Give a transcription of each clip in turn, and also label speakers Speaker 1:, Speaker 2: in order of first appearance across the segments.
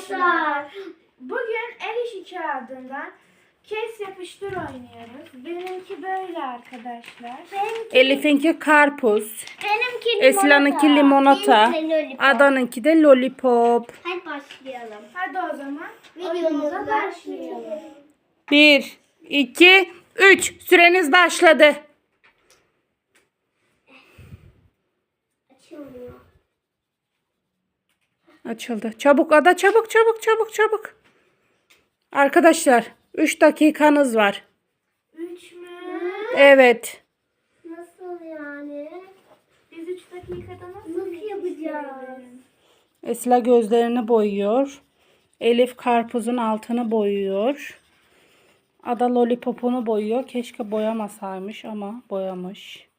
Speaker 1: arkadaşlar.
Speaker 2: Bugün el işi kağıdından kes yapıştır oynuyoruz. Benimki böyle arkadaşlar.
Speaker 3: Elif'inki karpuz.
Speaker 1: Benimki limonata.
Speaker 3: Esra'nınki limonata.
Speaker 1: Benimki lollipop.
Speaker 3: Adan'ınki de lollipop.
Speaker 1: Hadi başlayalım.
Speaker 2: Hadi o zaman
Speaker 1: Videomuza
Speaker 2: oyunumuza
Speaker 1: başlayalım.
Speaker 2: başlayalım.
Speaker 3: 1, 2, 3. Süreniz başladı.
Speaker 1: Açılmıyor.
Speaker 3: Açıldı. Çabuk Ada, çabuk çabuk çabuk çabuk. Arkadaşlar 3 dakikanız var.
Speaker 2: 3 mü?
Speaker 3: Evet.
Speaker 1: Nasıl yani?
Speaker 2: Biz 3 dakikada nasıl
Speaker 1: yapacağız?
Speaker 3: Esra gözlerini boyuyor. Elif karpuzun altını boyuyor. Ada lollipopunu boyuyor. Keşke boyamasaymış ama boyamış.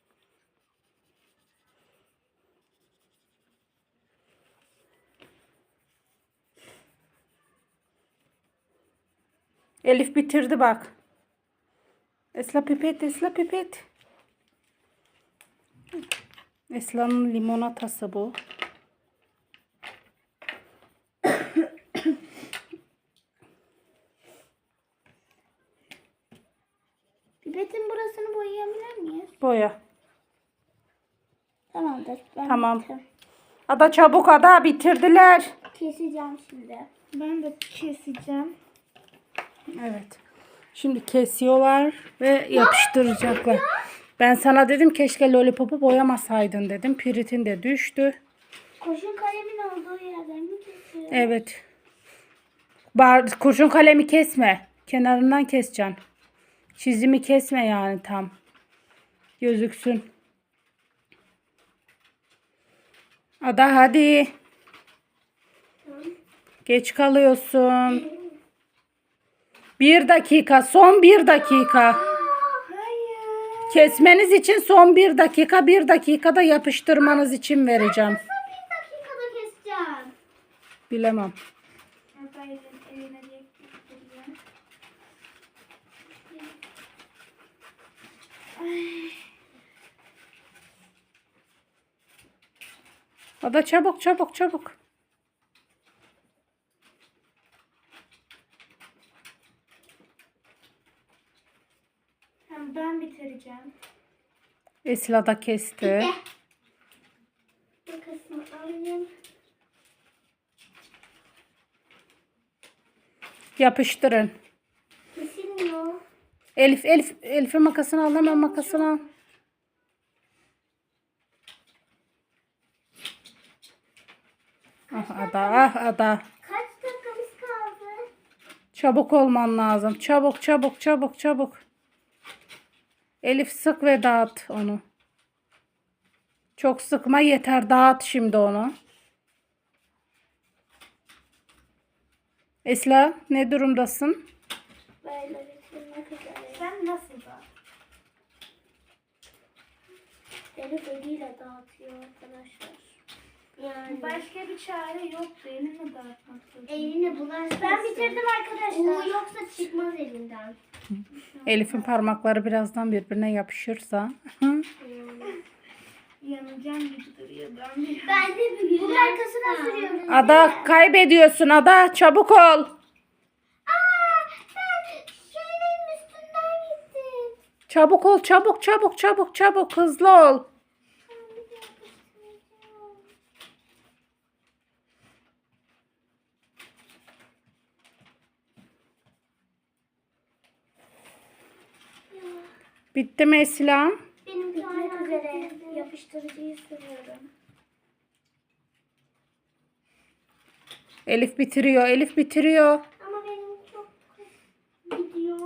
Speaker 3: Elif bitirdi bak. Esra pipet, Esra pipet. Esra'nın limonatası bu.
Speaker 1: Pipetin burasını boyayabilir miyiz?
Speaker 3: Boya.
Speaker 1: Tamamdır. Ben
Speaker 3: Tamam.
Speaker 1: bitirdim.
Speaker 3: Ada çabuk Ada, bitirdiler.
Speaker 1: Keseceğim şimdi.
Speaker 2: Ben de keseceğim.
Speaker 3: Evet. Şimdi kesiyorlar ve yapıştıracaklar. Ben sana dedim keşke lollipopu boyamasaydın dedim. Piritin de düştü.
Speaker 1: Kurşun kalemin olduğu yerden mi kesiyor?
Speaker 3: Evet. Kurşun kalemi kesme. Kenarından keseceksin. Çizimi kesme yani tam. Gözüksün. Ada hadi. Geç kalıyorsun. 1 dakika. Son 1 dakika.
Speaker 2: Hayır.
Speaker 3: Kesmeniz için son 1 dakika. 1 dakikada yapıştırmanız için vereceğim.
Speaker 1: Nasıl bir dakikada keseceğim?
Speaker 3: Bilemem.
Speaker 2: Ada eline getiriyor.
Speaker 3: Ada çabuk çabuk çabuk.
Speaker 2: Hem ben bitireceğim.
Speaker 3: Esra da kesti.
Speaker 1: Makasını alayım.
Speaker 3: Yapıştırın.
Speaker 1: Kesilmiyor.
Speaker 3: Elif'in makasını al, hemen makasını al. Ah Ada, ah Ada.
Speaker 1: Kaç dakikamız kaldı?
Speaker 3: Çabuk olman lazım. Çabuk çabuk çabuk çabuk. Elif sık ve dağıt onu. Çok sıkma yeter, dağıt şimdi onu. Esra ne durumdasın?
Speaker 1: Böyle bitirmek üzere.
Speaker 2: Sen nasıl da?
Speaker 1: Elif eliyle dağıtıyor arkadaşlar. Yani.
Speaker 2: Başka bir çare yoktu. Elini dağıtmak zorunda.
Speaker 1: Eline bulaşmasın. Ben bitirdim arkadaşlar. Yoksa çıkmaz elinden.
Speaker 3: Elif'in parmakları birazdan birbirine yapışırsa.
Speaker 2: Yanacağım gibi duruyor.
Speaker 1: Ben de bir bunun arkasına sürüyorum.
Speaker 3: Ada kaybediyorsun Ada, çabuk ol.
Speaker 1: Ben şeylerin üstünden gittim.
Speaker 3: Çabuk ol, çabuk çabuk çabuk çabuk, hızlı ol. Bitti mi Esra?
Speaker 1: Benim bitmek üzere yapıştırıcıyı sürüyorum.
Speaker 3: Elif bitiriyor, Elif bitiriyor.
Speaker 1: Ama benim çok gidiyor.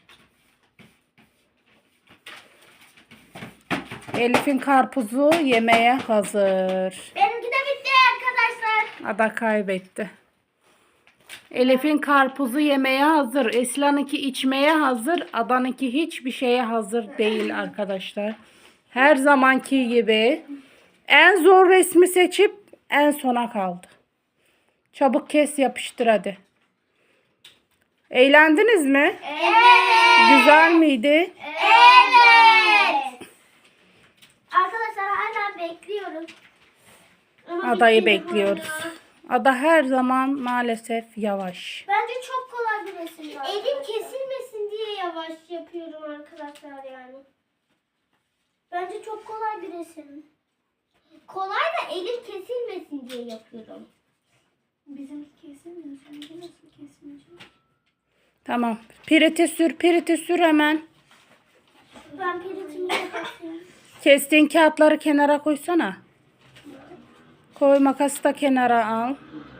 Speaker 3: Elif'in karpuzu yemeye hazır.
Speaker 1: Benimki de bitti arkadaşlar.
Speaker 3: Ada kaybetti. Elif'in karpuzu yemeye hazır. Esra'nınki içmeye hazır. Ada'nınki hiçbir şeye hazır değil arkadaşlar. Her zamanki gibi en zor resmi seçip en sona kaldı. Çabuk kes, yapıştır hadi. Eğlendiniz mi?
Speaker 1: Evet.
Speaker 3: Güzel miydi?
Speaker 1: Evet. Arkadaşlar hala bekliyorum. Ama
Speaker 3: Adayı
Speaker 1: bitmedi
Speaker 3: bekliyoruz.
Speaker 1: hala.
Speaker 3: Ada her zaman maalesef yavaş.
Speaker 1: Bence çok kolay bir resim. Elim kesilmesin diye yavaş yapıyorum arkadaşlar yani. Bence çok kolay bir resim. Kolay da elim kesilmesin diye yapıyorum.
Speaker 2: Bizimki kesilmiyor. Seninki nasıl kesilmeyecek?
Speaker 3: Tamam. Piriti sür hemen.
Speaker 1: Ben piritimi kapatayım.
Speaker 3: Kestiğin kağıtları kenara koysana. Koy, makası da kenara al.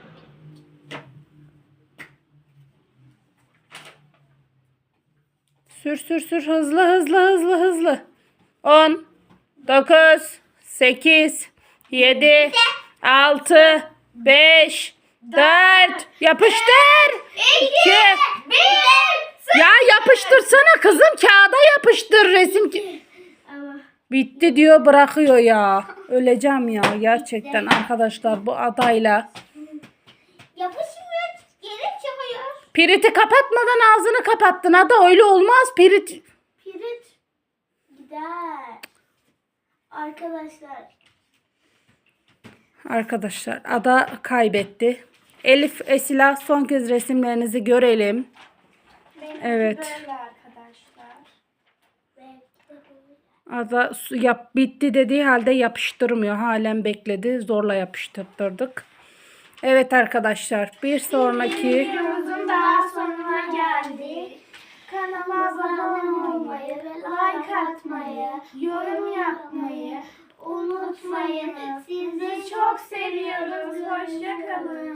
Speaker 3: Sür hızlı. 10 9 8 7 6 5 4 yapıştır. 2 Ya yapıştırsana kızım, kağıda yapıştır resim.
Speaker 1: Ama
Speaker 3: Bitti diyor, bırakıyor ya. Öleceğim ya gerçekten arkadaşlar bu adayla.
Speaker 1: yapışmıyor. Gerek çıkıyor.
Speaker 3: Piriti kapatmadan ağzını kapattın ada, öyle olmaz pirit.
Speaker 1: Pirit gider.
Speaker 3: Arkadaşlar ada kaybetti. Elif, Esila son kez resimlerinizi görelim.
Speaker 2: Benimki
Speaker 3: Evet.
Speaker 2: böyle arkadaşlar.
Speaker 3: Ada bitti dediği halde yapıştırmıyor. Halen bekledi. Zorla yapıştırdık. Evet arkadaşlar, bir sonraki
Speaker 2: Videomuzun daha sonuna geldik. Kanalıma abone olmayı ve like atmayı, yorum yapmayı unutmayın. Sizi çok seviyoruz. Hoşça kalın.